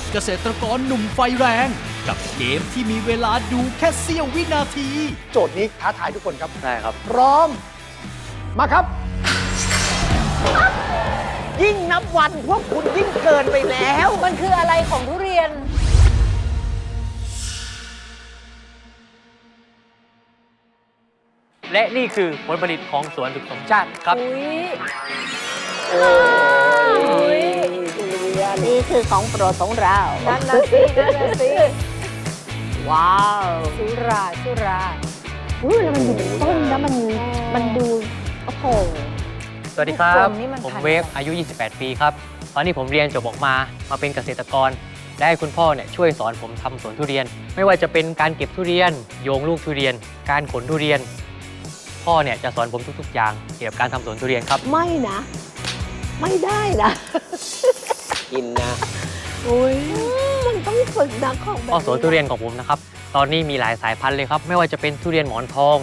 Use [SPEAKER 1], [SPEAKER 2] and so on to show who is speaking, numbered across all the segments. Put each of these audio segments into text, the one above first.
[SPEAKER 1] เกษตรกรหนุ่มไฟแรงกับเกมที่มีเวลาดูแค่เสี้ยววินาที
[SPEAKER 2] โจทย์นี้ท้าทายทุกคนครับ
[SPEAKER 3] ได้ครับ
[SPEAKER 2] พร้อม มาครับ
[SPEAKER 4] ยิ่งนับวันพวกคุณยิ่งเกินไปแล้ว
[SPEAKER 5] มันคืออะไรของทุเรียน
[SPEAKER 3] และนี่คือผลผลิตของสวนสุขสมชาติครับ
[SPEAKER 5] อุ้ย
[SPEAKER 4] นี่คือของโปรดของเรา
[SPEAKER 5] นั่นน่ะสินั่นน่ะสิ
[SPEAKER 4] ว้าว
[SPEAKER 5] สุราสุรา
[SPEAKER 4] อุ้ยแล้วมันดูเป็นต้นแล้วมันดู โอ้โห
[SPEAKER 3] สวัสดีครับ
[SPEAKER 5] นี่น
[SPEAKER 3] ผม
[SPEAKER 5] พันธุ์
[SPEAKER 3] เวฟอายุ 28 ปีครับ ตอนนี้ผมเรียนจบออกมาเป็นเกษตรกร และให้คุณพ่อเนี่ยช่วยสอนผมทำสวนทุเรียน ไม่ว่าจะเป็นการเก็บทุเรียน โยงลูกทุเรียน การขนทุเรียน พ่อเนี่ยจะสอนผมทุกๆ อย่างเกี่ยวกับการทำสวนทุเรียนครับ
[SPEAKER 4] ไม่นะ ไม่ได้นะ
[SPEAKER 6] กินนะ
[SPEAKER 4] อุ้ยมันต้องฝึกนะของแบบ
[SPEAKER 3] ก็สวนทุเรียนของผมนะครับ ตอนนี้มีหลายสายพันธุ์เลยครับ ไม่ว่าจะเป็นทุเรียนหมอนทอง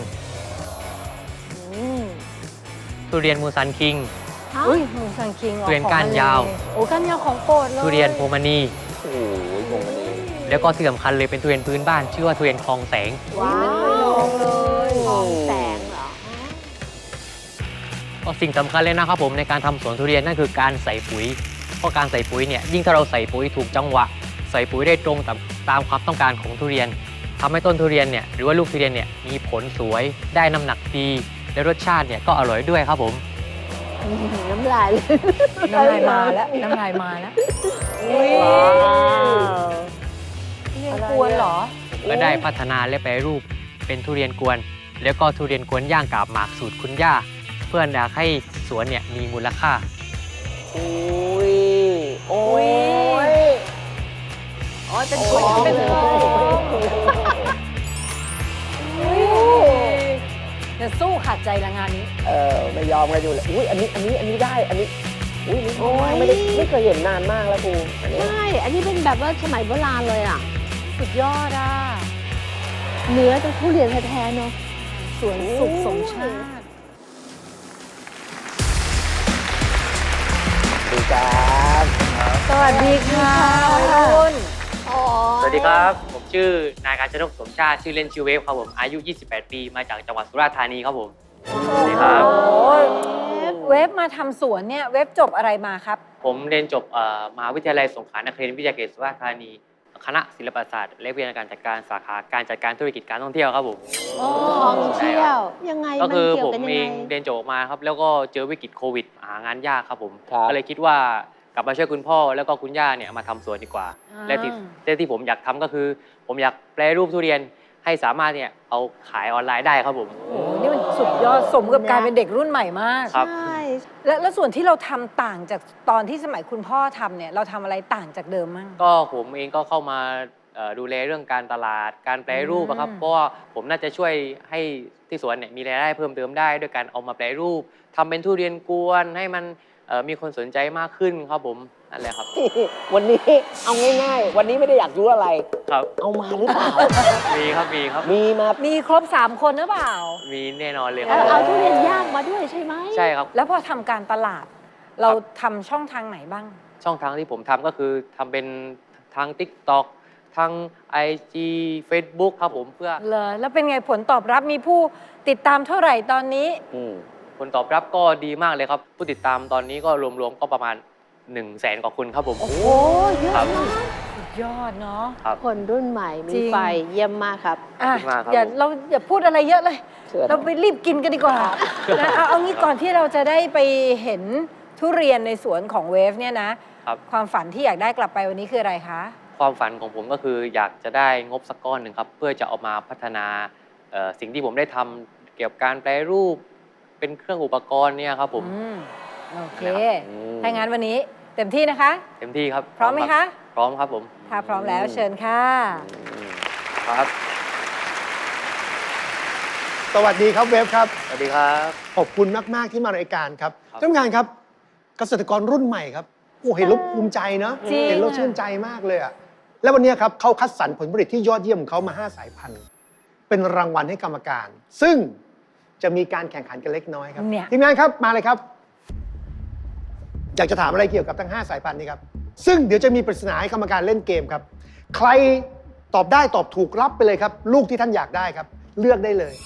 [SPEAKER 3] ทุเรียนมูซันคิง
[SPEAKER 5] อุ้ยหมูสังคิง
[SPEAKER 3] ทุเรียนก้านยาว
[SPEAKER 5] โอ้ก้านยาวของโปรดเลย
[SPEAKER 3] ทุเรียนโพมานี
[SPEAKER 6] โอ้โหพวงมันนี้
[SPEAKER 3] แล้วก็ที่สำคัญเลยเป็นทุเรียนพื้นบ้าน ชื่อว่าทุเรียนคลองแสง
[SPEAKER 5] ว้าวเลย
[SPEAKER 4] ทองแสงเหรอ
[SPEAKER 3] ก็สิ่งสำคัญเลยนะครับผมในการทำสวนทุเรียนนั่นคือการใส่ปุ๋ย เพราะการใส่ปุ๋ยเนี่ยยิ่งถ้าเราใส่ปุ๋ยถูกจังหวะ ใส่ปุ๋ยได้ตรงตามความต้องการของทุเรียนทำให้ต้นทุเรียนเนี่ยหรือว่าลูกทุเรียนเนี่ยมีผลสวยได้น้ำหนักดีและรสชาติเนี่ยก็อร่อยด้วยครับผม
[SPEAKER 4] น้ำลายเลย
[SPEAKER 5] น้ำลายมาแล้วน้ำลายมาแล้วอุ้ย
[SPEAKER 4] ว้าว
[SPEAKER 5] ทุเรียนกวนเหรอ
[SPEAKER 3] ก็ได้พัฒนาและแปรรูปเป็นทุเรียนกวน แล้วก็ทุเรียนกวนย่างกาบหมากสูตรคุณย่า เพื่ออยากให้สวนเนี่ยมีมูลค่า
[SPEAKER 6] อุ้ย โอ้
[SPEAKER 5] อุ้
[SPEAKER 6] ย
[SPEAKER 5] ยอ๋อเป็นถุงเป็นถุงจะสู้ขาดใจละงานนี้
[SPEAKER 6] ไม่ยอมกันอยู่เลยอุ้ยอันนี้ได้ อันนี้ อุ้ยนี่ไม่เคยเห็นนานมากแล้วครูอันนี้
[SPEAKER 4] ใช่ อันนี้เป็นแบบว่าสมัยโบราณเลยอ่ะ
[SPEAKER 5] สุดยอดอ่ะ
[SPEAKER 4] เนื้อจะทุเรียนแท้ๆเนาะ
[SPEAKER 5] สวนสุขสมชาติ
[SPEAKER 6] ดีครับ
[SPEAKER 5] สวัสดีค่ะคุณ
[SPEAKER 3] สวัสดีครับ ผมชื่อนายการชนกสมชาติชื่อเล่นชื่อเวฟครับผมอายุ 28 ปีมาจากจังหวัดสุราษฎร์ธานีครับผมสวัสดีครับ
[SPEAKER 5] โอ้ยเว็บมาทำสวนเนี่ย เว็บจบอะไรมาครับ
[SPEAKER 3] ผมเรียนจบมหาวิทยาลัยสงขลานครินทร์วิทยาเขตสุราษฎร์ธานีคณะศิลปศาสตร์และวิทยาการจัดการสาขาการจัดการธุรกิจการท่องเที่ยวครับผม
[SPEAKER 4] ท่องเที่ยว ยังไง
[SPEAKER 3] ก็
[SPEAKER 4] มัน
[SPEAKER 3] คือ
[SPEAKER 4] เกี่ย
[SPEAKER 3] ผ
[SPEAKER 4] ว
[SPEAKER 3] ม
[SPEAKER 4] กันยัง
[SPEAKER 3] เอ
[SPEAKER 4] ไง
[SPEAKER 3] งเรียนจบออกมาครับแล้วก็เจอวิกฤตโควิดหางานยากครับผม
[SPEAKER 6] ครับ
[SPEAKER 3] ก็เลยคิดว่ากลับมาช่วยคุณพ่อแล้วก็คุณย่าเนี่ยมาทำสวนดีกว่า และที่ผมอยากทำก็คือ ผมอยากแปรรูปทุเรียนให้สามารถเนี่ยเอาขายออนไลน์ได้ครับผม
[SPEAKER 5] โอ้โหนี่มันสุดยอดสมกับการเป็นเด็กรุ่นใหม่มาก
[SPEAKER 3] ครับ
[SPEAKER 4] ใช่
[SPEAKER 5] แล้วส่วนที่เราทำต่างจากตอนที่สมัยคุณพ่อทำเนี่ย เราทำอะไรต่างจากเดิมมั่ง
[SPEAKER 3] ก็ผมเองก็เข้ามาดูแลเรื่องการตลาดการแปรรูปอะครับ
[SPEAKER 5] อืม
[SPEAKER 3] เพราะว่าผมน่าจะช่วยให้ที่สวนเนี่ยมีรายได้เพิ่มเติมได้ด้วยการเอามาแปรรูปทำเป็นทุเรียนกวนให้มันมีคนสนใจมากขึ้นครับผมนั่นแหละครับ
[SPEAKER 6] วันนี้เอาง่ายๆ วันนี้ไม่ได้อยากรู้อะไร
[SPEAKER 3] ครับ
[SPEAKER 6] เอามาหรือเปล่า
[SPEAKER 3] มีครับมีครับ
[SPEAKER 6] มีมา
[SPEAKER 5] มีครบ 3 คนหรือเปล่า
[SPEAKER 3] มีแน่นอนเลยค
[SPEAKER 4] เอา
[SPEAKER 3] รับ
[SPEAKER 4] เอาทุเรียนย่างมาด้วยใช่ไหม
[SPEAKER 3] ใช่ครับ
[SPEAKER 5] แล้วพอทำการตลาด เราทำช่องทางไหนบ้าง
[SPEAKER 3] ช่องทางที่ผมทำก็คือทำเป็นทาง TikTok ทาง IG Facebook ครับผมเพื่อ
[SPEAKER 5] เลยแล้วเป็นไงผลตอบรับมีผู้ติดตามเท่าไหร่ตอนนี้
[SPEAKER 3] ผลตอบรับก็ดีมากเลยครับ ผู้ติดตามตอนนี้ก็รวมๆก็ประมาณ 100,000 กว่าคนครับผม
[SPEAKER 4] โอ้เยอะ
[SPEAKER 3] ครับ
[SPEAKER 4] มาก
[SPEAKER 5] สุดยอดเนาะ
[SPEAKER 3] ครับ
[SPEAKER 4] คนรุ่นใหม่
[SPEAKER 5] จริ
[SPEAKER 4] มี
[SPEAKER 5] ง
[SPEAKER 4] ไฟเยี่ยมมากครับ
[SPEAKER 5] อ่ะ
[SPEAKER 3] ขอบคุณมากครับ
[SPEAKER 5] อย่า
[SPEAKER 3] ผม
[SPEAKER 5] เราอย่าพูดอะไรเยอะเลย
[SPEAKER 6] เชิญ
[SPEAKER 5] เราไปรีบกินกันดีกว่านะเอางี้ก่อนที่เราจะได้ไปเห็นทุเรียนในสวนของเวฟเนี่ยนะ
[SPEAKER 3] ครับ
[SPEAKER 5] ความฝันที่อยากได้กลับไปวันนี้คืออะไรคะ
[SPEAKER 3] ความฝันของผมก็คืออยากจะได้งบสักก้อนหนึ่งครับ เพื่อจะเอามาพัฒนาสิ่งที่ผมได้ทำเกี่ยวกับการแปรรูปเป็นเครื่องอุปกรณ์เนี่ยครับผม
[SPEAKER 5] โอเค
[SPEAKER 6] อืม
[SPEAKER 5] ถ้างั้นวันนี้เต็มที่นะคะ
[SPEAKER 3] เต็มที่ครับ
[SPEAKER 5] พร้อมไหมคะ
[SPEAKER 3] พร้อมครับผม
[SPEAKER 5] ถ้าพร้อมแล้วเชิญค่ะ
[SPEAKER 3] ครับ
[SPEAKER 2] สวัสดีครับเวฟครับ
[SPEAKER 3] สวัสดีครับ
[SPEAKER 2] ขอบคุณมาก ๆ ที่มารายการครับ
[SPEAKER 3] ครับ
[SPEAKER 2] ท่านผู้การครับ เกษตรกรรุ่นใหม่ครับโอ้เห็นแล้วภูมิใจเนาะ
[SPEAKER 5] จริง
[SPEAKER 2] เห็นแล้วชื่นใจมากเลยอะแล้ววันนี้ครับเขาคัดสรรผลผลิตที่ยอดเยี่ยมของเขามา 5 สายพันธุ์ เป็นรางวัลให้กรรมการ ซึ่งจะมีการแข่งขันกันเล็กน้อยครับ
[SPEAKER 5] เนี่ย
[SPEAKER 2] ทีมงานครับมาเลยครับ อยากจะถามอะไรเกี่ยวกับทั้ง 5 สายพันธุ์นี้ครับซึ่งเดี๋ยวจะมีปริศนาให้กรรมการเล่นเกมครับ ใครตอบได้ตอบถูกรับไปเลยครับ ลูกที่ท่านอยากได้ครับ เลือกได้เลย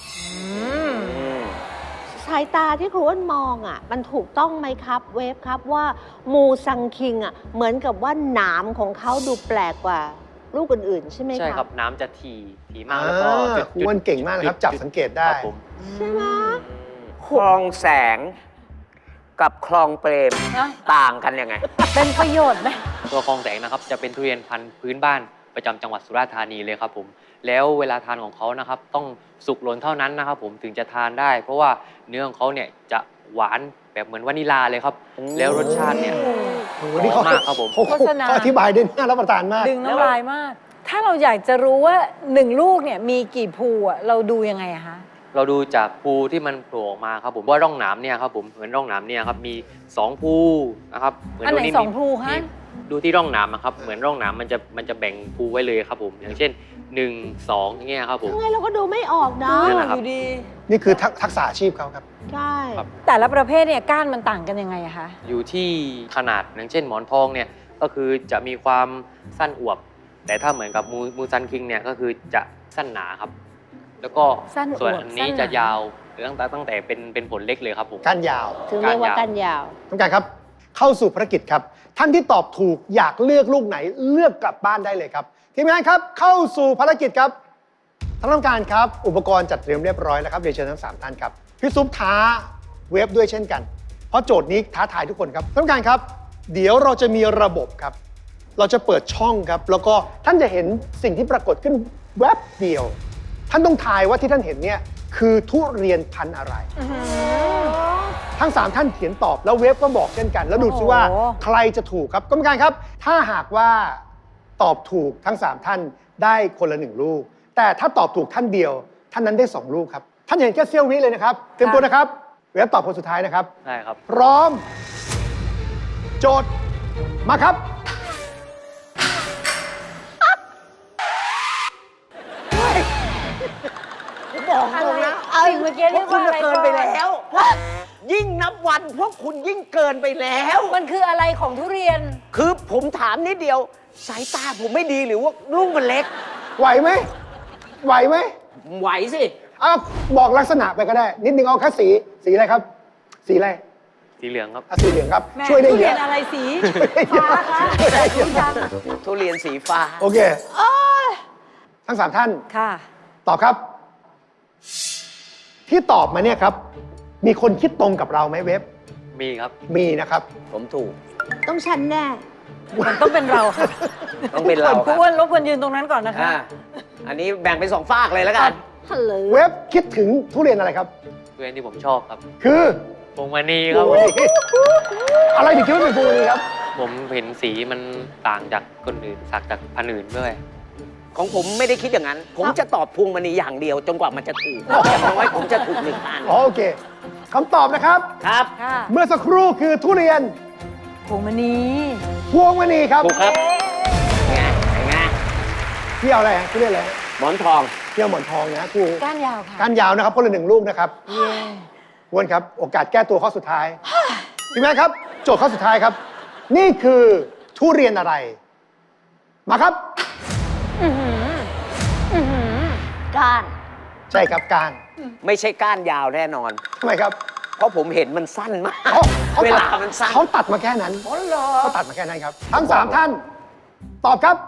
[SPEAKER 4] สายตาที่ครูอ้วนมองอ่ะ มันถูกต้องไหมครับเวฟครับว่ามูซังคิงอ่ะเหมือนกับว่าหนามของเขาดูแปลกกว่าลูกอื่นๆใช่ไหม
[SPEAKER 3] ใช่
[SPEAKER 4] ค
[SPEAKER 3] ค
[SPEAKER 4] รั
[SPEAKER 3] รั
[SPEAKER 4] บบ
[SPEAKER 3] น้ำจะถี่มากแล้วก็จุด
[SPEAKER 2] อ้วนเก่งมากนะครับ จับสังเกตได้
[SPEAKER 3] ครับผม
[SPEAKER 4] ใช่ไหม
[SPEAKER 6] คลองแสงกับคลองเปรม
[SPEAKER 5] นะ
[SPEAKER 6] ต่างกันยังไง
[SPEAKER 5] เป็นประโยชน์ไหม
[SPEAKER 3] ตัวคลองแสงนะครับจะเป็นทุเรียนพันธุ์พื้นบ้านประจำจังหวัดสุราษฎร์ธานีเลยครับผมแล้วเวลาทานของเขานะครับต้องสุกหล่นเท่านั้นนะครับผมถึงจะทานได้ เพราะว่าเนื้อของเขาเนี่ยจะหวานแบบเหมือนวานิลาเลยครับ แล้วรสชาติเนี่ย
[SPEAKER 2] โอ้โหนี่เขา
[SPEAKER 3] หอมมากครับผม
[SPEAKER 2] เขา
[SPEAKER 5] โฆษณา
[SPEAKER 2] อธิบายได้น่ารับประทานมาก
[SPEAKER 5] ดึงน้ำลายมาก ถ้าเราอยากจะรู้ว่า1ลูกเนี่ยมีกี่ภูอ่ะเราดูยังไงอะคะ
[SPEAKER 3] เราดูจากภูที่มันโผล่ออกมาครับผมว่าร่องหนามเนี่ยครับผมเหมือนร่องหนามเนี่ยครับมี2ภูนะครับเหมื
[SPEAKER 5] อันไหน
[SPEAKER 3] ตรง
[SPEAKER 5] สองภูคะ
[SPEAKER 3] มีดูที่ร่องหนามอะครับเหมือนร่องหนามมันจะแบ่งภูไว้เลยครับผมอย่างเช่น 1 2อย่างเงี้ยครับผม
[SPEAKER 4] ยังไงเราก็ดูไม่ออกนะ
[SPEAKER 3] นั่นแหละครับ
[SPEAKER 5] อยู่ดี
[SPEAKER 2] นี่คือทักษะอาชีพเขาครับ
[SPEAKER 4] ใช่
[SPEAKER 3] ครับ
[SPEAKER 5] แต่ละประเภทเนี่ยก้านมันต่างกันยังไงอะคะ
[SPEAKER 3] อยู่ที่ขนาดอย่างเช่นหมอนทองเนี่ยก็คือจะมีความสั้นอวบ แต่ถ้าเหมือนกับมูซันคิงเนี่ยก็คือจะสั้นหนาครับ แล้วก็
[SPEAKER 5] สั้นอวบ
[SPEAKER 3] ส่วนอันนี้
[SPEAKER 5] สั้นหนา
[SPEAKER 3] จะยาวตั้งแต่เป็นผลเล็กเลยครับผม
[SPEAKER 2] การยาว
[SPEAKER 4] ถึงเรียกว่ากันยาว
[SPEAKER 2] ต้องการครับ เข้าสู่ภารกิจครับ ท่านที่ตอบถูกอยากเลือกลูกไหนเลือกกลับบ้านได้เลยครับ ทีมงานครับ เข้าสู่ภารกิจครับท่านต้องการครับ อุปกรณ์จัดเตรียมเรียบร้อยแล้วครับเรียนเชิญทั้ง3ท่านครับพี่ซุปท้าเวฟด้วยเช่นกัน เพราะโจทย์นี้ท้าทายทุกคนครับท่านต้องการครับ เดี๋ยวเราจะมีระบบครับ เราจะเปิดช่องครับ แล้วก็ท่านจะเห็นสิ่งที่ปรากฏขึ้นแวบเดียว ท่านต้องทายว่าที่ท่านเห็นเนี่ยคือทุเรียนพันธุ์อะไร ทั้ง 3 ท่านเขียนตอบแล้วเวฟก็บอกเช่นกัน แล้วดูซิว่า
[SPEAKER 5] โอ้โห
[SPEAKER 2] ใครจะถูกครับกรรมการครับ ถ้าหากว่าตอบถูกทั้ง 3 ท่านได้คนละ 1 ลูก แต่ถ้าตอบถูกท่านเดียว ท่านนั้นได้ 2 ลูกครับ ท่านเห็นแค่เสี้ยววิเลยนะครับ เตรียมตัวนะครับ เวฟตอบคนสุดท้ายนะครับ
[SPEAKER 3] ได้ครับ
[SPEAKER 2] พร้อม โจทย์ มาครับ
[SPEAKER 6] บอกตรงนะ
[SPEAKER 5] สิ่งเมื่อกี้
[SPEAKER 6] พ
[SPEAKER 5] เรี
[SPEAKER 6] วย ก
[SPEAKER 5] ก
[SPEAKER 6] คุ
[SPEAKER 5] ว่า
[SPEAKER 6] ณ
[SPEAKER 5] อะไร
[SPEAKER 6] เกินไปแล้ว ยิ่งนับวันพวกคุณยิ่งเกินไปแล้ว
[SPEAKER 5] มันคืออะไรของทุเรียน
[SPEAKER 6] คือผมถามนิดเดียว สายตาผมไม่ดีหรือว่าลูกมันเล็ก
[SPEAKER 2] ไหวไหมไหวไหม
[SPEAKER 6] ไหวสิ
[SPEAKER 2] เอาบอกลักษณะไปก็ได้ นิดนึงเอาแค่สีอะไรครับ สีอะไร
[SPEAKER 3] สีเหลืองครับ
[SPEAKER 2] อ่ะสีเหลืองครับ
[SPEAKER 5] แม่
[SPEAKER 2] ช่วยได้
[SPEAKER 5] ทุ
[SPEAKER 2] เย
[SPEAKER 5] เรีย
[SPEAKER 2] อะ
[SPEAKER 5] นอะไรสี
[SPEAKER 2] ฟ้า
[SPEAKER 5] ฟ้าคะ
[SPEAKER 2] ช่วยได้เยอะ
[SPEAKER 5] รู้จัก
[SPEAKER 6] ทุเรียนสีฟ้า
[SPEAKER 2] โอเคทั้ง 3 ท่าน
[SPEAKER 5] ค่ะ
[SPEAKER 2] ตอบครับ ที่ตอบมาเนี่ยครับ มีคนคิดตรงกับเราไหมเว็บ
[SPEAKER 3] มีครับ
[SPEAKER 2] มีนะครับ
[SPEAKER 6] ผมถูก
[SPEAKER 4] ต้องฉันแน่
[SPEAKER 5] มันต้องเป็นเราค่ะ
[SPEAKER 6] ต้องเป็นเราค
[SPEAKER 5] คุ
[SPEAKER 6] รั
[SPEAKER 5] ณ
[SPEAKER 6] บ
[SPEAKER 5] อ้วนรบกวนยืนตรงนั้นก่อนนะคะ
[SPEAKER 6] อันนี้แบ่งเป็น2ฝากเลยแล้วกัน
[SPEAKER 4] ฮัลโหล
[SPEAKER 2] เว็บคิดถึงทุเรียนอะไรครับ
[SPEAKER 3] ทุเรียนที่ผมชอบครับ
[SPEAKER 2] คือ
[SPEAKER 3] พวงมณีครับ
[SPEAKER 2] พวงมณีอะไรถึงคิดว่าเป็นพวงมณีครับ
[SPEAKER 3] ผมเห็นสีมันต่างจากคนอื่นสักจากพันธุ์อื่นด้วย
[SPEAKER 6] ของผมไม่ได้คิดอย่างนั้น ผมจะตอบพวงมณีอย่างเดียว จนกว่ามันจะถูกอย่างน้อยผมจะถูก1 อัน
[SPEAKER 2] โอเคคำตอบนะครับ
[SPEAKER 6] ครับ
[SPEAKER 5] ค่ะ
[SPEAKER 2] เมื่อสักครู่คือทุเรียน
[SPEAKER 5] พวงมณี
[SPEAKER 2] พวงมณีครับ
[SPEAKER 6] ถูกครับไงไง
[SPEAKER 2] พี่เอาอะไรฮะทุเรียนอะไรฮะ
[SPEAKER 6] หมอนทอง
[SPEAKER 2] พี่เอาหมอนทองนะครู
[SPEAKER 5] ก้านยาวค่ะ
[SPEAKER 2] การยาวนะครับคนละ1 ลูกนะครับ
[SPEAKER 5] เย้
[SPEAKER 2] วนครับ โอกาสแก้ตัวข้อสุดท้าย ทีมงานครับ โจทย์ข้อสุดท้ายครับ นี่คือทุเรียนอะไร มาครับ
[SPEAKER 4] ก้าน
[SPEAKER 2] ใช่ครับการ
[SPEAKER 6] ไม่ใช่ก้านยาวแน่นอน
[SPEAKER 2] ทำไมครับ
[SPEAKER 6] เพราะผมเห็นมันสั้นมาก
[SPEAKER 2] เขา
[SPEAKER 6] เว
[SPEAKER 2] ตั
[SPEAKER 6] ลา
[SPEAKER 2] ด
[SPEAKER 6] มันสั้น
[SPEAKER 2] เขาตัดมาแค่นั้นเขาตัดมาแค่นั้นครับ ทั้ง 3 ท่าน ตอบครับ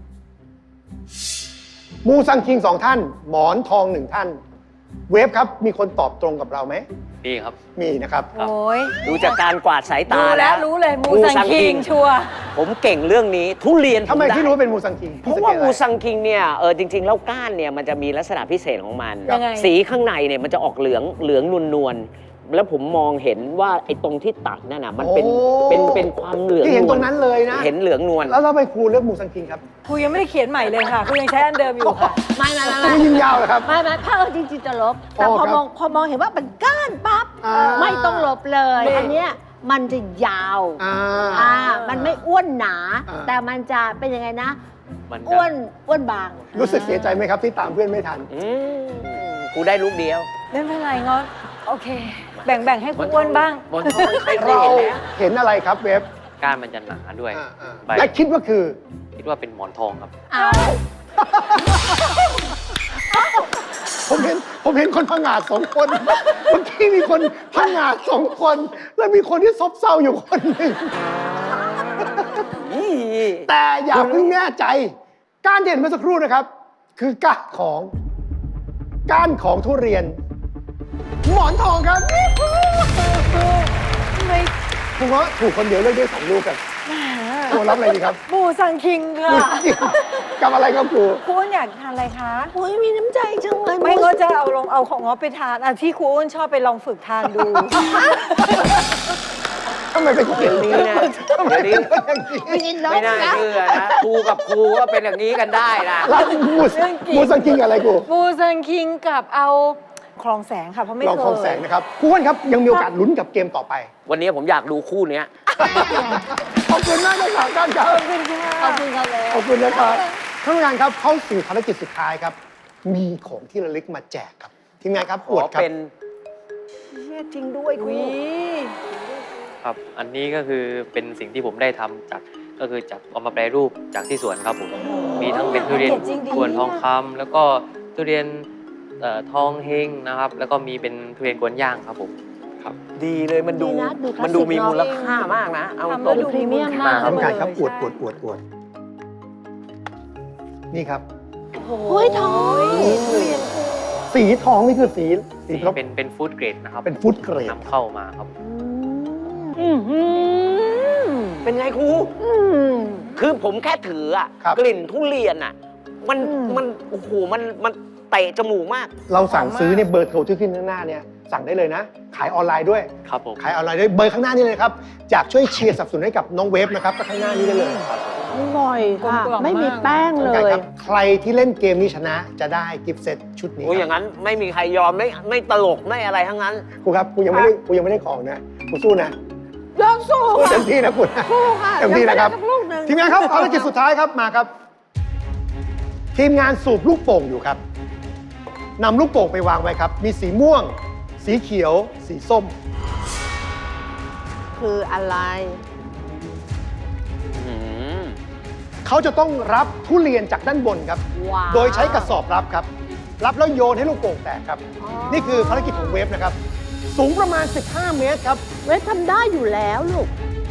[SPEAKER 2] มูซังคิง 2 ท่าน หมอนทอง 1 ท่าน เวฟครับ มีคนตอบตรงกับเราไหม
[SPEAKER 3] นี่ครับ
[SPEAKER 2] มีนะครับ
[SPEAKER 5] โอ้ย
[SPEAKER 6] ดูจากการกวาดสายตา
[SPEAKER 5] ดูแล้วรู้เลยมูซังคิงชัวร์
[SPEAKER 6] ผมเก่งเรื่องนี้ ทุเรียน
[SPEAKER 2] ทำไม
[SPEAKER 6] ผด้
[SPEAKER 2] พี่รู้ว่าเป็นมูซังคิง
[SPEAKER 6] เพราะว่ามูซังคิงเนี่ยจริง ๆ แล้วก้านเนี่ยมันจะมีลักษณะพิเศษของมัน
[SPEAKER 5] ยังไง
[SPEAKER 6] สีข้างในเนี่ยมันจะออกเหลืองนวลๆแล้วผมมองเห็นว่าไอ้ตรงที่ตัดนั่นน่ะมันเป็นความเหลือง
[SPEAKER 2] ที่เห็น
[SPEAKER 6] วล
[SPEAKER 2] ตรงนั้นเลยนะ
[SPEAKER 6] เห็นเหลืองนวล
[SPEAKER 2] แล้วเราไปครูเลือกมูซังคิงครับ
[SPEAKER 5] ครูยังไม่ได้เขียนใหม่เลยค่ะครูยังใช้อันเดิมอยู่ค่ะ
[SPEAKER 4] ไม่
[SPEAKER 2] ไม่ยิงยาวเหรอครับ
[SPEAKER 4] ไม่ถ้าเอาจริงๆจะลบ แต่
[SPEAKER 2] อ๋อ
[SPEAKER 4] พอ
[SPEAKER 2] ครับ
[SPEAKER 4] มองเห็นว่าเป็นก้านปั๊บ
[SPEAKER 2] อ่า
[SPEAKER 4] ไม่ต้องลบเลย
[SPEAKER 5] นี่
[SPEAKER 4] อันเนี้ยมันจะยาว
[SPEAKER 2] อ่า
[SPEAKER 4] มันไม่อ้วนหนา
[SPEAKER 2] อ่า
[SPEAKER 4] แต่มันจะเป็นยังไงนะ
[SPEAKER 3] มันจะ
[SPEAKER 4] อ้วนบาง
[SPEAKER 2] รู้สึกเสียใจไหมครับที่ตามเพื่อนไม่ทัน
[SPEAKER 6] กูได้ลูกเดียว
[SPEAKER 5] ไม่เป็นไรงอนโอเค แบ่งให้ครูอ้วนบ้าง
[SPEAKER 6] บนท้องเคย
[SPEAKER 2] เรา
[SPEAKER 6] เห็นแล้ว
[SPEAKER 2] เห็นอะไรครับเวฟ
[SPEAKER 3] ก้านมันจะหนาด้วย ใบ
[SPEAKER 2] และคิดว่าคือ
[SPEAKER 3] คิดว่าเป็นหมอนทองครับ
[SPEAKER 5] เอา
[SPEAKER 2] ผมเห็นคนพังงาด2 คนเมื่อกี้มีคนพังงาด2 คน แล้วมีคนที่ซบเซาอยู่คนหนึ่งแต่อย่าเพิ่งแน่ใจก้านที่เห็นเมื่อสักครู่นะครับ คือก้านของทุเรียน หมอนทองครับ
[SPEAKER 5] ไม่
[SPEAKER 2] ผมว่าถูกคนเดียวเลือกได้2 ลูกกันโอ้รับอะไรดีครับ
[SPEAKER 5] บูซังคิงค่ะ
[SPEAKER 2] กับอะไรครับครู
[SPEAKER 5] ครูอ้วนอยากทานอะไรคะ
[SPEAKER 4] โอ้ยมีน้ำใจจังเลย
[SPEAKER 5] ไม่ก็จะเอาของง้อไปทานที่ครูอ้วนชอบไปลองฝึกทานดู
[SPEAKER 2] ทำไมเป็นคน
[SPEAKER 6] เดี๋ยวนี้นะ
[SPEAKER 2] ทำไม
[SPEAKER 6] เดี๋ยวนี้
[SPEAKER 2] เป็นคนอย่างนี้
[SPEAKER 4] มีน้อ
[SPEAKER 6] ไม่
[SPEAKER 4] ง
[SPEAKER 6] น่า
[SPEAKER 4] นะ
[SPEAKER 6] เชื่อนะครูกับครูก็เป็นอย่างนี้กันได้นะ
[SPEAKER 2] แล้วมูสังคิงอะไรครู
[SPEAKER 5] บูซังคิงกับเอาคลองแสงค่ะเพราะไม่
[SPEAKER 2] ลอง
[SPEAKER 5] เคย
[SPEAKER 2] คลองแสงนะครับครูอ้วนครับยังมีโอกาสลุ้นกับเกมต่อไป
[SPEAKER 6] วันนี้ผมอยากดูคู่เนี้ย
[SPEAKER 2] ขอบคุณมากเลยครับท่านครับ
[SPEAKER 5] ขอบคุณค่ะ
[SPEAKER 4] ขอบคุณค่ะแล้ว
[SPEAKER 2] ขอบคุณนะครับท่านผู้การครับเข้าสู่ภารกิจสุดท้ายครับ มีของที่ระลึกมาแจกครับทีมงานครับ
[SPEAKER 6] ข
[SPEAKER 2] อว
[SPEAKER 6] อ
[SPEAKER 2] ดครับ
[SPEAKER 6] เป็น
[SPEAKER 5] จริงด้วยครู
[SPEAKER 3] ครับ อันนี้ก็คือเป็นสิ่งที่ผมได้ทำจากก็คือจากเอามาแปรรูปจากที่สวนครับผม มีทั้งเป็นทุเรียนกวนทองคำแล้วก็ทุเรียนทองเฮงนะครับ แล้วก็มีเป็นทุเรียนกวนย่างครับผม
[SPEAKER 6] ดีเลยมันดู
[SPEAKER 4] ดีนะดูคลาสสิก
[SPEAKER 6] มันดูมี
[SPEAKER 4] เนอะ
[SPEAKER 6] มูลค่ามากนะ เอา
[SPEAKER 5] ทำ
[SPEAKER 6] ตร
[SPEAKER 5] แล้ว
[SPEAKER 6] ง
[SPEAKER 5] ดูพรีเมียมมาก
[SPEAKER 2] ท่านผู้การครับ
[SPEAKER 5] เลย
[SPEAKER 2] อวด
[SPEAKER 5] ใช่
[SPEAKER 2] นี่ครับ
[SPEAKER 4] เฮ้ยทอง
[SPEAKER 2] สีทองนี่คือสี
[SPEAKER 3] สี
[SPEAKER 2] ครับ
[SPEAKER 3] เป็นฟู้ดเกรดนะครับ
[SPEAKER 2] เป็นฟู้ดเกรด
[SPEAKER 3] นำเข้ามาครับ
[SPEAKER 6] เป็นไงครู คือผมแค่ถืออะ
[SPEAKER 2] ครับ
[SPEAKER 6] กลิ่นทุเรียนอะมันโอ้โหมันเตะจมูกมาก
[SPEAKER 2] เราสั่งซื้อเนี่ยเบอร์โทรที่ขึ้นข้างหน้าเนี่ยสั่งได้เลยนะ ขายออนไลน์ด้วย
[SPEAKER 3] ครับผม
[SPEAKER 2] ขายออนไลน์ด้วยเบอร์ข้างหน้านี่เลยครับอยากช่วยเชียร์สนับสนุนให้กับน้องเวฟนะครับก็ข้างหน้านี้ได้เลย
[SPEAKER 3] ครับผม
[SPEAKER 4] อร่อยค่ะ
[SPEAKER 5] กลมๆ
[SPEAKER 4] ไม่มี
[SPEAKER 5] มาก
[SPEAKER 4] แป้งเล
[SPEAKER 2] ท่านผู้การ
[SPEAKER 4] ย
[SPEAKER 2] ครับใครที่เล่นเกมนี้ชนะจะได้กิฟต์เซตชุดนี้
[SPEAKER 6] โอ้ยอย่างนั้นไม่มีใครยอมไม่ตลกไม่อะไรทั้งนั้น
[SPEAKER 2] ครูครับครูยังไม่ได้ของนะครูสู้นะ
[SPEAKER 4] เลิกสู้
[SPEAKER 2] สู้เต็
[SPEAKER 4] ค่ะ
[SPEAKER 2] มที่นะคุณ
[SPEAKER 4] สู้ค่ะ
[SPEAKER 2] เต็มที่นะครับ
[SPEAKER 4] ยังไม่ได้สักลูกหนึ่ง
[SPEAKER 2] ทีมงานครับภารกิจสุดท้ายครับมาครับ ทีมงานสูบลูกโป่งอยู่ครับนำลูกโป่งไปวางไว้ครับ มีสีม่วง สีเขียว สีส้ม
[SPEAKER 4] คืออะไร
[SPEAKER 2] เขาจะต้องรับทุเรียนจากด้านบนครับ
[SPEAKER 4] ว้าว
[SPEAKER 2] โดยใช้กระสอบรับครับ รับแล้วโยนให้ลูกโป่งแตกครับ นี่คือภารกิจของเวฟนะครับ สูงประมาณ 15 เมตรครับ
[SPEAKER 4] เวททำได้อยู่แล้วลูก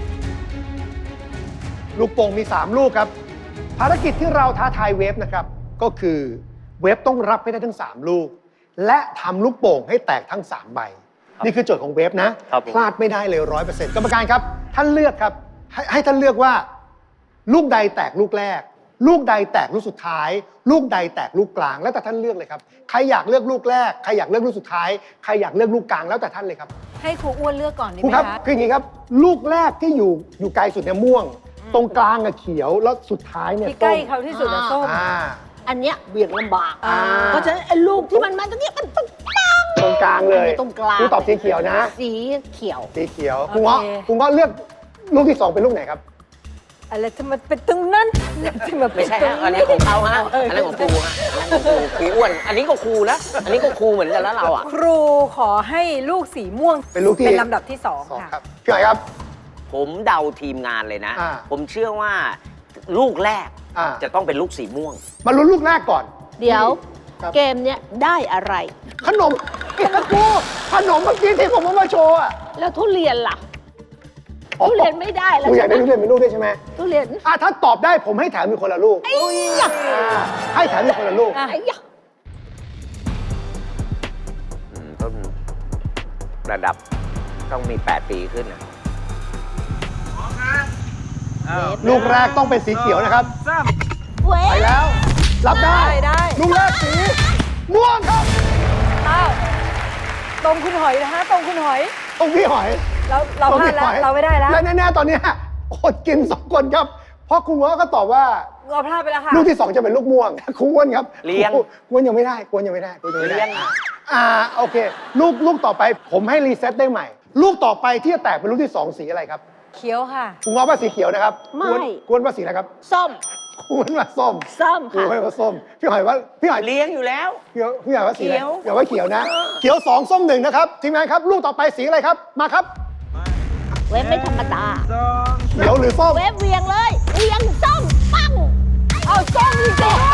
[SPEAKER 2] ลูกโป่งมี 3 ลูกครับ ภารกิจที่เราท้าทายเวฟนะครับ ก็คือเวฟต้องรับให้ได้ทั้ง 3 ลูก และทำลูกโป่งให้แตกทั้ง 3 ใบ นี่คือโจทย์ของเวฟนะครับ
[SPEAKER 3] ผม
[SPEAKER 2] พลาดไม่ได้เลย 100%กรรมการครับ ท่านเลือกครับ ให้ท่านเลือกว่า ลูกใดแตกลูกแรก ลูกใดแตกลูกสุดท้าย ลูกใดแตกลูกกลาง แล้วแต่ท่านเลือกเลยครับ ใครอยากเลือกลูกแรก ใครอยากเลือกลูกสุดท้าย ใครอยากเลือกลูกกลาง แล้วแต่ท่านเลยครับ
[SPEAKER 5] ให้ครูอ้วนเลือกก่อนดี
[SPEAKER 2] ครู
[SPEAKER 5] ไหม
[SPEAKER 2] ครับ
[SPEAKER 5] คะ
[SPEAKER 2] คืออย่างนี้ครับ ลูกแรกที่อยู่ไกลสุดเนี่ยม่วง ตรงกลางอะเขียว แล้วสุดท้ายเนี่ย
[SPEAKER 5] ที่ใกล้
[SPEAKER 2] ส้ม
[SPEAKER 5] เขาที่สุดอะส้ม
[SPEAKER 2] อ่า
[SPEAKER 4] อันเนี้ยเบี่ยงลำบาก
[SPEAKER 5] อ่า
[SPEAKER 4] เพราะฉะนั้นไอ้ลูกที่มันมาตรงเนี้ยมันต้องปัง
[SPEAKER 2] ตรงกลางเลย
[SPEAKER 4] อันนี้ตรงกลาง
[SPEAKER 2] ครูตอบสีเขียวนะ
[SPEAKER 4] สีเขียว
[SPEAKER 2] สีเขียว
[SPEAKER 5] โอเค
[SPEAKER 2] คุณว่าเลือกลูกที่ 2 เป็นลูกไหนครับ
[SPEAKER 5] อะไรจะมาเป็นตรงนั้นจะมาเป็
[SPEAKER 6] ไม่
[SPEAKER 5] น
[SPEAKER 6] ใช่
[SPEAKER 5] ตรง
[SPEAKER 6] ฮะอันนี้ของเขาฮะ
[SPEAKER 5] เ
[SPEAKER 6] อันนี้ของครูฮะอันนี้ของครูอ้วน อันนี้ก็ครูนะ อันนี้ก็ครูเหมือนกันแล้วเราอ่ะ
[SPEAKER 5] ครูขอให้ลูกสีม่วง
[SPEAKER 2] เป็นลูกที่
[SPEAKER 5] เป็นลำดับที่สอง
[SPEAKER 2] 2
[SPEAKER 5] ค่ะ
[SPEAKER 2] ครับพี่หอยครับ
[SPEAKER 6] ผมเดาทีมงานเลยนะ
[SPEAKER 2] อ่า
[SPEAKER 6] ผมเชื่อว่าลูกแรก
[SPEAKER 2] อ่า
[SPEAKER 6] จะต้องเป็นลูกสีม่วง
[SPEAKER 2] มาลุ้นลูกแรกก่อน
[SPEAKER 4] เดี๋ยว
[SPEAKER 2] ครับ
[SPEAKER 4] เกมเนี้ยได้อะไร
[SPEAKER 2] ขนมครูขนมเมื่อกี้ที่ผมเอามาโชว์อะ
[SPEAKER 4] แล้วทุเรียนล่ะ ทุเรียนไม่ได้
[SPEAKER 2] ค
[SPEAKER 4] แล้ว
[SPEAKER 2] รูอยากได้
[SPEAKER 4] ใช่
[SPEAKER 2] ทุ
[SPEAKER 4] ไหม
[SPEAKER 2] เรียนเป็นลูกด้วยใช่ไหม
[SPEAKER 4] ทุเรียน
[SPEAKER 2] ถ้าตอบได้ผมให้แถมมีคนละลูก
[SPEAKER 4] ไอ้ยะ
[SPEAKER 2] ให้แถมมีคนละลูก
[SPEAKER 5] อ่ะ
[SPEAKER 4] ไอ้ยะ
[SPEAKER 6] ต้นระดับต้องมี 8 ปีขึ้นนะ
[SPEAKER 2] ลูกแรกต้องเป็นสีเขียวนะครับ
[SPEAKER 4] เว้
[SPEAKER 2] ไป
[SPEAKER 4] ย
[SPEAKER 2] แล้ว รับได้
[SPEAKER 5] ได้
[SPEAKER 2] ลูกแรกสีม่วงครับ
[SPEAKER 5] อ้าวตรงคุณหอยนะฮะตรงคุณหอย
[SPEAKER 2] ตรงพี่หอย
[SPEAKER 5] เราพลาดแล้วเราไม่ได้แล้ว
[SPEAKER 2] และแน่ๆตอนเนี้ยอดกิน2 คนครับ เพราะคุณง้อก็ตอบว่า
[SPEAKER 5] เราพลาดไปแล้วค่ะ
[SPEAKER 2] ลูกที่ 2 จะเป็นลูกม่วงครูอ้วนครับ
[SPEAKER 6] เลี้ยง
[SPEAKER 2] ครูอ้วนยังไม่ได้ครูอ้วนยังไม่ได้ครูอ้วนยังไม่
[SPEAKER 6] เลี้
[SPEAKER 2] ได้
[SPEAKER 6] ยง
[SPEAKER 2] โอเค ลูกต่อไปผมให้รีเซ็ตได้ใหม่ ลูกต่อไปที่จะแตกเป็นลูกที่ 2 สีอะไรครับ
[SPEAKER 5] เขียวค่ะ
[SPEAKER 2] คุณง้อว่าสีเขียวนะครับ
[SPEAKER 4] ไม่
[SPEAKER 2] กวนว่าสีอะไรครับ
[SPEAKER 4] ส้ม
[SPEAKER 2] กวนว่าส้ม
[SPEAKER 4] ส้ม
[SPEAKER 2] ครู
[SPEAKER 4] ค่ะ
[SPEAKER 2] ให้ว่าส้มพี่หอยว่าพี่หอย
[SPEAKER 6] เลี้ยงอยู่แล้ว
[SPEAKER 2] พี่หอยว่าสีอะไร
[SPEAKER 6] เขียว
[SPEAKER 2] อย่าว่าเขียวนะ เขียว 2 ส้ม 1 นะครับทีมงานครับ ลูกต่อไปสีอะไรครับมาครับ
[SPEAKER 4] เว้ยไม่ธรรมดา
[SPEAKER 2] ขเขียวหรือส้ม
[SPEAKER 4] เวฟเวียงเลยเวียงส้มปัง
[SPEAKER 5] เอาส้มจริงๆด้วย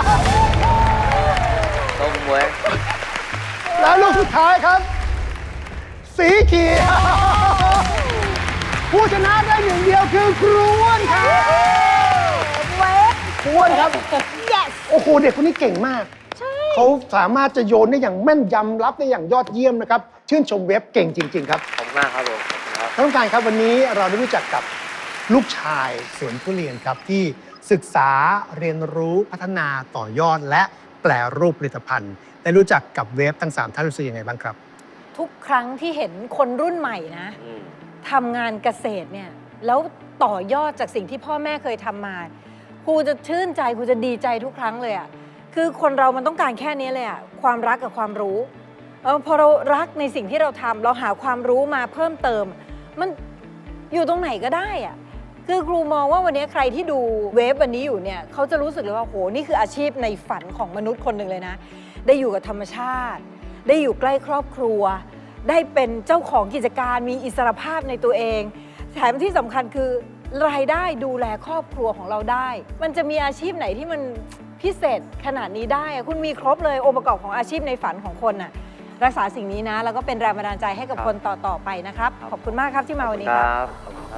[SPEAKER 6] ต้มเว้ย
[SPEAKER 2] แล้วลูกสุดท้ายครับ สีเขียว ผู้ชนะได้หนึ่งเดียวคือครูอ้วนครับ
[SPEAKER 4] เวฟ
[SPEAKER 2] ครูอ้วนครับ
[SPEAKER 4] yes
[SPEAKER 2] โอ้โห เด็กคนนี้เก่งมาก
[SPEAKER 4] ใช่
[SPEAKER 2] เขาสามารถจะโยนได้อย่างแม่นยำรับได้อย่างยอดเยี่ยมนะครับ ชื่นชมเว็บเก่งจริง ๆ ครับ
[SPEAKER 3] ขอบคุณมากครับผมขอบคุณครับ
[SPEAKER 2] ท่านผู้การครับวันนี้เราได้รู้จักกับลูกชายสวนทุเรียนครับที่ศึกษาเรียนรู้พัฒนาต่อยอดและแปลรูปผลิตภัณฑ์ได้รู้จักกับเว็บทั้ง3ท่านรู้สึกยังไงบ้างครับ
[SPEAKER 5] ทุกครั้งที่เห็นคนรุ่นใหม่นะทำงานเกษตรเนี่ยแล้วต่อยอดจากสิ่งที่พ่อแม่เคยทำมาครูจะชื่นใจครูจะดีใจทุกครั้งเลยอะคือคนเรามันต้องการแค่นี้เลยอะความรักกับความรู้พอเรารักในสิ่งที่เราทำเราหาความรู้มาเพิ่มเติม มันอยู่ตรงไหนก็ได้อะคือครูมองว่าวันนี้ใครที่ดูเวฟวันนี้อยู่เนี่ยเขาจะรู้สึกเลยว่าโหนี่คืออาชีพในฝันของมนุษย์คนหนึ่งเลยนะ ได้อยู่กับธรรมชาติ ได้อยู่ใกล้ครอบครัว ได้เป็นเจ้าของกิจการมีอิสรภาพในตัวเองแถมที่สำคัญคือรายได้ดูแลครอบครัวของเราได้ มันจะมีอาชีพไหนที่มันพิเศษขนาดนี้ได้อะคุณมีครบเลยองค์ประกอบของอาชีพในฝันของคนน่ะรักษาสิ่งนี้นะแล้วก็เป็นแรงบันดาลใจให้กับคนต่อๆไปนะครับขอบคุณมากครับที่มาวันนี้ครับ
[SPEAKER 3] ขอบคุณครับ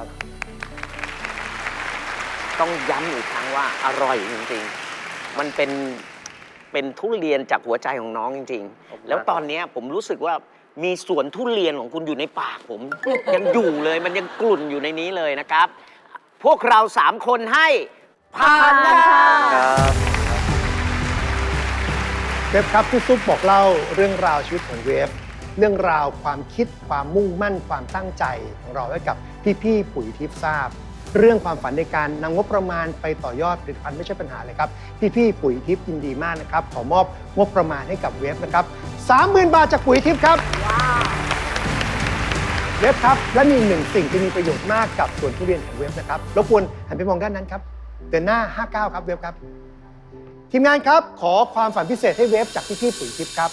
[SPEAKER 6] ต้องย้ำอีกครั้งว่าอร่อยจริงๆ มันเป็นทุเรียนจากหัวใจของน้องจริง
[SPEAKER 3] ขอบคุณมาก
[SPEAKER 6] ๆ แล้วตอนนี้ผมรู้สึกว่ามีสวนทุเรียนของคุณอยู่ในปากผม ยังอยู่เลยมันยังกลุ่นอยู่ในนี้เลยนะครับ พวกเรา3 คนให้ผ่านนะครับ
[SPEAKER 2] เว็บครับพี่ซุปบอกเล่าเรื่องราวชีวิตของเว็บเรื่องราวความคิดความมุ่งมั่นความตั้งใจของเราให้กับพี่ๆปุ๋ยทิพย์ทราบ เรื่องความฝันในการนำงบประมาณไปต่อยอดผลิตภัณฑ์ไม่ใช่ปัญหาเลยครับพี่ๆปุ๋ยทิพย์ยินดีมากนะครับขอมอบงบประมาณให้กับเว็บนะครับ 30,000 บาทจากปุ๋ยทิพย์ครับเว็บครับและมีอีกหนึ่งสิ่งที่มีประโยชน์มากกับสวนทุเรียนของเว็บนะครับรบกวนหันไปมองด้านนั้นครับเดินหน้า 59 ครับเว็บครับทีมงานครับขอความฝันพิเศษให้เว็บจากพี่ๆปุ๋ยทิพย์ครับ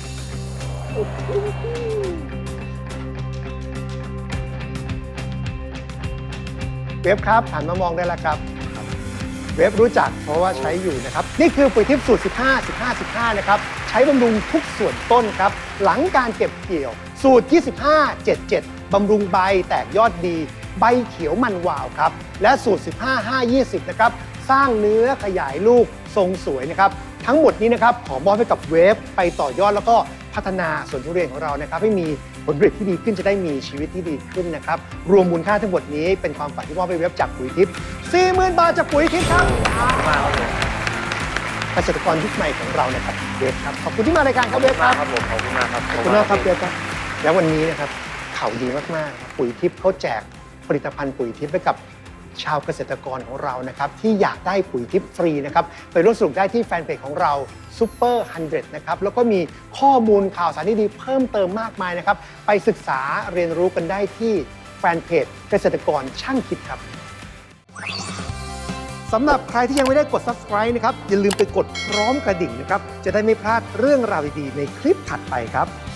[SPEAKER 2] เว็บครับหันมามองได้แล้วครับเว็บรู้จักเพราะว่าใช้อยู่นะครับนี่คือปุ๋ยทิพย์สูตร 15 นะครับใช้บำรุงทุกส่วนต้นครับหลังการเก็บเกี่ยวสูตร 25-77 บำรุงใบแตกยอดดีใบเขียวมันวาวครับและสูตร 15-5-20 นะครับสร้างเนื้อขยายลูกทรงสวยนะครับทั้งหมดนี้นะครับขอมอบให้กับเว็บไปต่อยอดแล้วก็พัฒนาสวนทุเรียนของเรานะครับให้มีผลผลิตที่ดีขึ้นจะได้มีชีวิตที่ดีขึ้นนะครับรวมมูลค่าทั้งหมดนี้เป็นความฝันที่มอบให้เว็บจากปุ๋ยทิพย์ 40,000 บาทจากปุ๋ยทิพย์ครับเกษตรกรยุคใหม่ของเรานะครับเว็บครับขอบคุณที่มารายการครับเว็บครับ
[SPEAKER 3] ครับผมขอบคุณมากครับ
[SPEAKER 2] ขอบคุณมากครับเว็บครับแล้ววันนี้นะครับข่าวดีมากๆครับปุ๋ยทิพย์เขาแจกผลิตภัณฑ์ปุ๋ยทิพย์ให้กับชาวเกษตรกรของเรานะครับที่อยากได้ปุ๋ยทิพย์ฟรีนะครับไปร่วมสนุกได้ที่แฟนเพจของเรา Super 100 นะครับแล้วก็มีข้อมูลข่าวสารดีๆเพิ่มเติมมากมายนะครับไปศึกษาเรียนรู้กันได้ที่แฟนเพจเกษตรกรช่างคิดครับสำหรับใครที่ยังไม่ได้กด Subscribe นะครับอย่าลืมไปกดพร้อมกระดิ่งนะครับจะได้ไม่พลาดเรื่องราวดีๆในคลิปถัดไปครับ